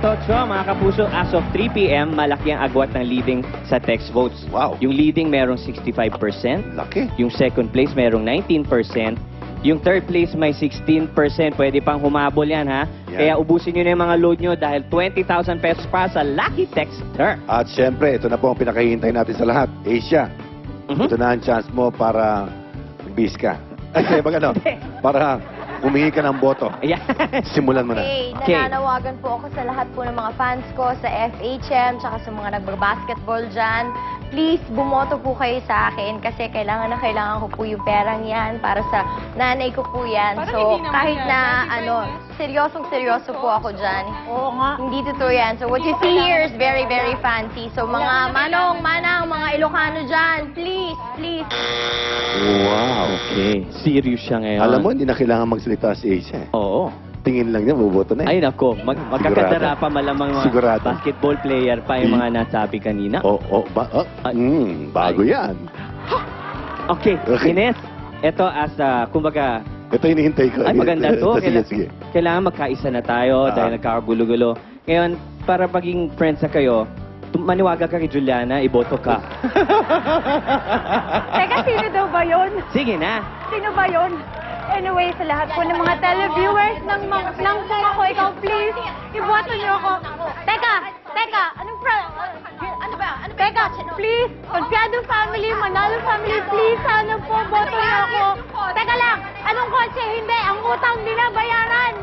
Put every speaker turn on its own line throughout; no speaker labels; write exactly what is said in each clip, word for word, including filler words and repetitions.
ito, Chong, mga kapuso, as of three p m, malaki ang agwat ng leading sa text votes.
Wow.
Yung leading merong sixty-five percent.
Laki.
Yung second place merong nineteen percent. Yung third place may sixteen percent. Pwede pang humabol yan, ha?
Yan.
Kaya ubusin nyo na yung mga load nyo dahil twenty thousand pesos para sa Lucky Texter.
At syempre, ito na po ang pinakahihintay natin sa lahat. Asia,
Mhm.
ito na ang chance mo para bis ka. Ay, baga ano? Para humingi ka ng boto.
Ayan.
Simulan mo na.
Okay,
Okay.
nananawagan po ako sa lahat po ng mga fans ko sa F H M, tsaka sa mga nagbabasketball dyan. Please, bumoto po kayo sa akin kasi kailangan na kailangan ko po yung perang yan para sa nanay ko po yan.
Parang
So,
hindi naman
kahit
yan.
na,
Hindi
ano,
fairness.
seryosong seryoso po ako dyan.
Oo nga.
Hindi totoo yan. So, what you see here is very, very fancy. So, mga manong, manang, mga Ilocano dyan, please, please.
Wow.
Okay. Serious siya ngayon.
Alam mo, hindi na kailangan magsalita si Asia.
Oo.
Tingin lang niya, buboto na
Ay,
eh.
nako. Mag magkakadara pa malamang mga
Sigurado.
basketball player pa yung mga nasabi kanina.
Oo, oh, ba, oh,
Ay.
mm, bago yan.
Okay,
Okay.
Ines, ito as, uh, kumbaga,
Ito hinihintay ko.
ay maganda to.
Sige,
Kaila-
sige.
Kailangan magkaisa na tayo
Ah.
dahil nagkakagulo-gulo. Ngayon, para maging friends na kayo, tum- maniwaga ka kay Juliana, iboto ka.
Teka, sino daw ba yun?
Sige na.
Sino ba yun? Anyway, sa lahat po ng mga televiewers ng, ma- ng kung ako, ikaw, please, iboto niyo ako. Teka, teka, anong pra... Ano ba? Ano teka, please, Confiado family, Manalo family, please, sana po, boto niyo ako. Teka lang, anong kotse? Hindi, ang utang binabayaran.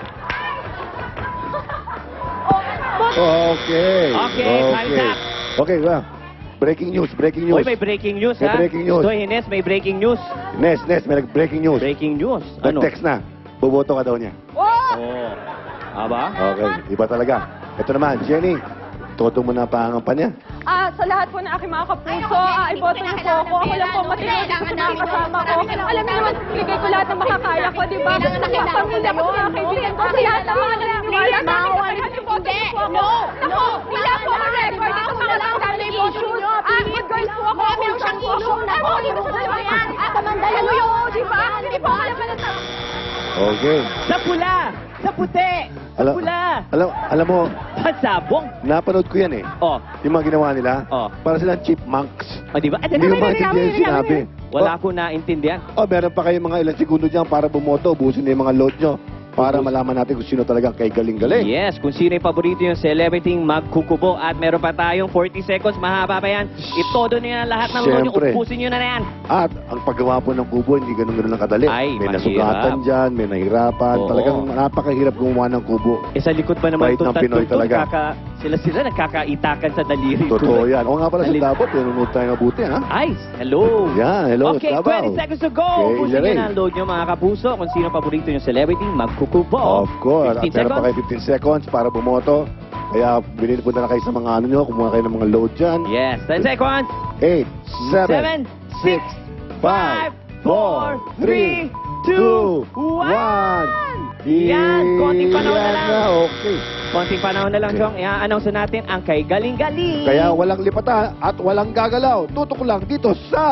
Boto.
Okay.
Okay, time's up.
Okay, well, breaking news, breaking news.
Uy, may breaking news,
May
ha?
breaking news.
Ito, Ines, may breaking news.
Nes, Nes, may breaking news.
Breaking news. Ano?
Nag-text na. Buboto ka daw niya.
Oh!
Oh. Aba?
Okay, iba talaga. Ito naman, Jenny, todo mo na pangangampanya.
Ah, sa lahat po ng aking mga kapuso, ah, iboto niyo po ako. Ako lang po matinod sa mga kasama ko. Alam niyo naman, bigay ko lahat ng makakaya ko, di ba? Sa mga pamilya ko, sa mga kaibigan ko, sa lahat ng mga naniniwala sa akin. Hindi, no, no, wala po ako record. Ito mga lang sa issues. Ah, good girls po ako. Meron siyang issue na po. Hindi mo sa yan. At mandala mo yung, di ba? Hindi po alam na sa...
Okay.
Sa pula! Sa puti! Sa
Alam,
pula!
alam, alam mo,
Sa sabong!
napanood ko yan eh.
Oh.
Yung mga ginawa nila,
Oh.
para silang chipmunks.
O, di ba? Ay,
Hindi
teka,
mo
teka,
maintindihan
teka,
yung sinabi.
teka. Wala ko naintindihan.
Oh, meron pa kayo mga ilang segundo dyan para bumoto. Ubusin na yung mga load nyo para
Ubus.
malaman natin kung sino talaga kay galing-galing.
Yes, kung sino yung paborito yung celebrity magkukubo. At meron pa tayong forty seconds, mahaba pa yan. Itodo niyo na lahat ng load nyo,
Siyempre.
upusin nyo na na yan.
At ang paggawa po ng kubo, hindi ganun-ganun lang kadali.
Ay,
may
mahirap.
nasugatan dyan, may nahirapan.
Oo.
Talagang napakahirap gumawa ng kubo.
Eh sa likod pa naman
Bait
itong
ng Pinoy
tatlong to,
talaga.
nagkaka- sila-sila nagkakaitakan sa daliri.
Totoo yan. O nga pala sa
Dali-
Davao, pinunod tayo mabuti, ha?
Ay, hello.
Yan, hello,
Okay,
Davao.
twenty seconds to go.
Okay,
Ubusin nyo
Lorraine.
na ang load nyo mga kapuso. Kung sino paborito yung celebrity, magkukubo.
Of course. At
fifteen
meron pa
seconds.
kayo fifteen seconds para bumoto. Kaya bilhin po na kayo sa mga ano nyo, kumuha kayo ng mga load dyan.
Yes, ten seconds.
eight,
Seven,
seven, six, five, four, three, two, one.
Yan, konting panahon na lang.
Okay.
Konting panahon na lang,
Okay.
Chong. I-announce na natin ang kay Galing-Galing.
Kaya walang lipatan at walang gagalaw. Tutok lang dito sa...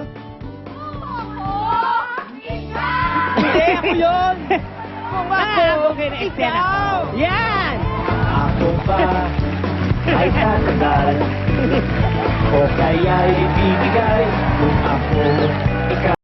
Hindi, ako yun. Kung ako, okay na eksena. Yan!
Ako ba ay tatagal o kaya'y ibibigay kung ako ikaw